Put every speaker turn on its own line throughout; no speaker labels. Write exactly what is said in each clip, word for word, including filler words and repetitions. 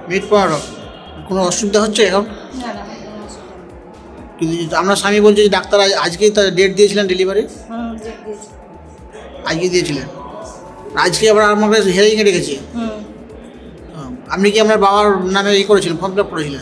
Minute পনেরো। কোনো অসুবিধা হচ্ছে এখন?
না না কোনো অসুবিধা নেই।
কিন্তু আপনার স্বামী বলছে যে ডাক্তার আজ- আজকেই তার ডেট দিয়েছিলেন ডেলিভারি,
হুম ডেট দিয়েছি।
আজকে দিয়েছিলেন, আজকে আবার আমার কাছে হিয়ারিংয়ে রেখেছে।
হুম
আহ, আপনি কি আপনার বাবার নামে ই করেছিলেন, ফর্ম ফিল আপ করেছিলেন?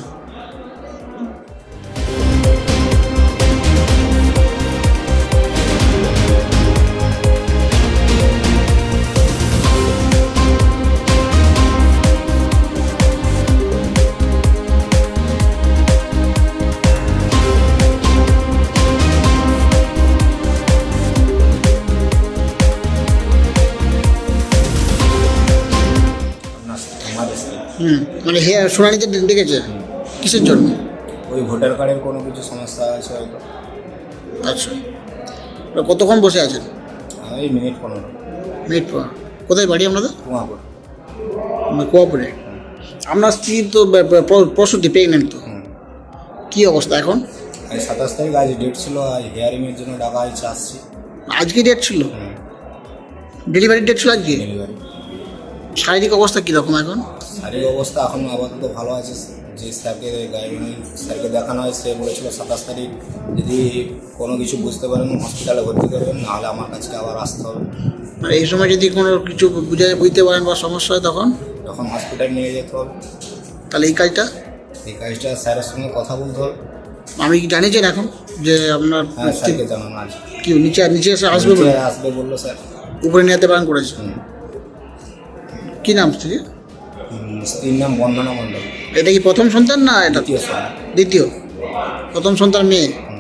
আপনার আমাদের
হুম, মানে হেয়ার শুনানিতে ডে- ডেকেছে কিসের জন্য?
ওই ভোটার কার্ডের কোনো কিছু সমস্যা আছে হয়তো।
আচ্ছা, তো কতক্ষণ বসে আছেন?
এই মিনিট পনেরো।
মিনিট পর। কোথায় বাড়ি আপনাদের?
কুমাপুর।
কোয়াপুরে। আপনার স্ত্রী তো ব- ব- প্র- প্রসূতি, প্রেগনেন্ট তো,
হুম
কী অবস্থা এখন?
আজ সাতাশ তারিখ, আজ ডেট ছিল, আজ হিয়ারিংয়ের জন্য ডাকা হয়েছে, আসছি।
আজকে ডেট ছিল,
হুম
ডেলিভারি ডেট ছিল আজকে।
ডেলিভারি।
শারীরিক অবস্থা কীরকম এখন?
শারীরিক অবস্থা এখন আপাতত ভালো আছে। যে স্যারকে গাইডলাইন স্যারকে দেখানো হয়, সে বলেছিল সাতাশ তারিখ যদি কোনো কিছু বুঝতে পারেন হসপিটালে ভর্তি করবেন, নাহলে আমার কাছে আবার আসতে হবে।
আর এই সময় যদি কোনো কিছু বুঝে বুঝতে পারেন বা সমস্যা হয় তখন
তখন হসপিটাল নিয়ে যেতে হবে।
তাহলে এই কাজটা
এই কাজটা স্যারের সঙ্গে কথা বলতে হবে।
আমি কি জানিয়েছেন এখন যে আপনার
হ্যাঁ স্যারকে জানানো আছে।
কি নিচে নিচে এসে আসবে বলে?
নিচে আসবে বললো স্যার।
উপরে নিয়ে যেতে পারেন করেছে।
হুম
কি নাম স্ত্রী?
হুম, স্ত্রীর নাম বন্দনা মণ্ডল।
এটা কি প্রথম সন্তান না এটা
দ্বিতীয় স্যার।
দ্বিতীয়? প্রথম সন্তান মেয়ে।
হুম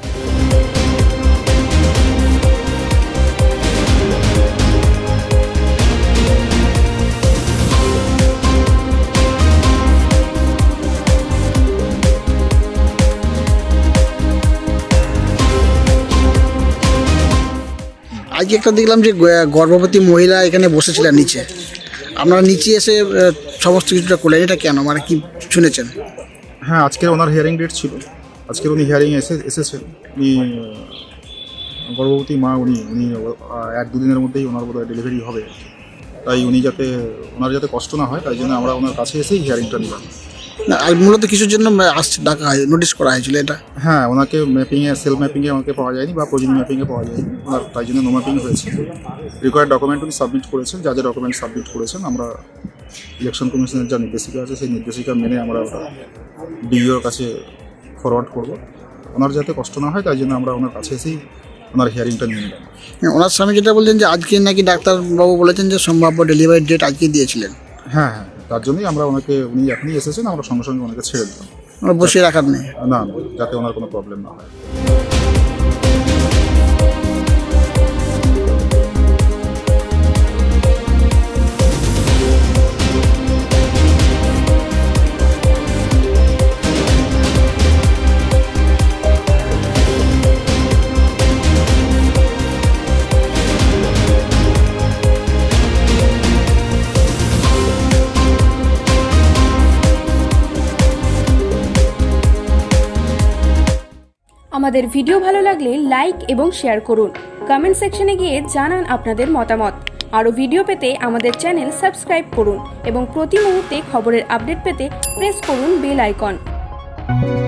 আজকে একটা দেখলাম যে গ- গর্ভবতী মহিলা এখানে বসেছিলেন নিচে, আপনারা নিচে এসে আহ, সমস্ত কিছুটা করলেন, এটা কেন, মানে কি শুনেছেন?
হ্যাঁ, আজকের ওনার হিয়ারিং ডেট ছিল। আজকের উনি হিয়ারিংয়ে এসে এসেছেন। উনি আহ, গর্ভবতী মা, উনি উনি আহ, এক দুদিনের মধ্যেই ওনার বোধহয় ডেলিভারি হবে। তাই উনি যাতে ওনার যাতে কষ্ট না হয়, তাই জন্য আমরা ওনার কাছে এসেই হিয়ারিংটা নিলাম।
না, আর মূলত কিছুর জন্য আসছে ডাকা হয়, নোটিশ করা হয়েছিল এটা?
হ্যাঁ, ওনাকে ম্যাপিংয়ে সেল ম্যাপিংয়ে আমাকে পাওয়া যায়নি বা প্রোজিনি ম্যাপিংয়ে পাওয়া যায়নি ওনার, তাই জন্য নো ম্যাপিং হয়েছে। রিকোয়ার্ড ডকুমেন্ট উনি সাবমিট করেছেন, যা যা ডকুমেন্ট সাবমিট করেছেন আমরা ইলেকশন কমিশনের যা নির্দেশিকা আছে সেই নির্দেশিকা মেনে আমরা ওটা ডিইওর কাছে ফরওয়ার্ড করব। ওনার যাতে কষ্ট না হয় তাই জন্য আমরা ওনার কাছে এসেই ওনার হিয়ারিংটা নিয়ে নিলাম।
হ্যাঁ, ওনার স্বামী যেটা বলছেন যে আজকে নাকি ডাক্তারবাবু বলেছেন যে সম্ভাব্য ডেলিভারি ডেট আজকে দিয়েছিলেন।
হ্যাঁ হ্যাঁ, তার জন্যই আমরা ওনাকে, উনি এখনই এসেছেন, আমরা সঙ্গে সঙ্গে ওনাকে ছেড়ে দিলাম।
ওনার বসিয়ে রাখার নেই।
না না, যাতে ওনার কোনো প্রবলেম না হয়।
আমাদের ভিডিও ভালো লাগলে লাইক এবং শেয়ার করুন। কমেন্ট সেকশনে গিয়ে জানান আপনাদের মতামত। আরও ভিডিও পেতে আমাদের চ্যানেল সাবস্ক্রাইব করুন এবং প্রতি মুহূর্তে খবরের আপডেট পেতে প্রেস করুন বেল আইকন।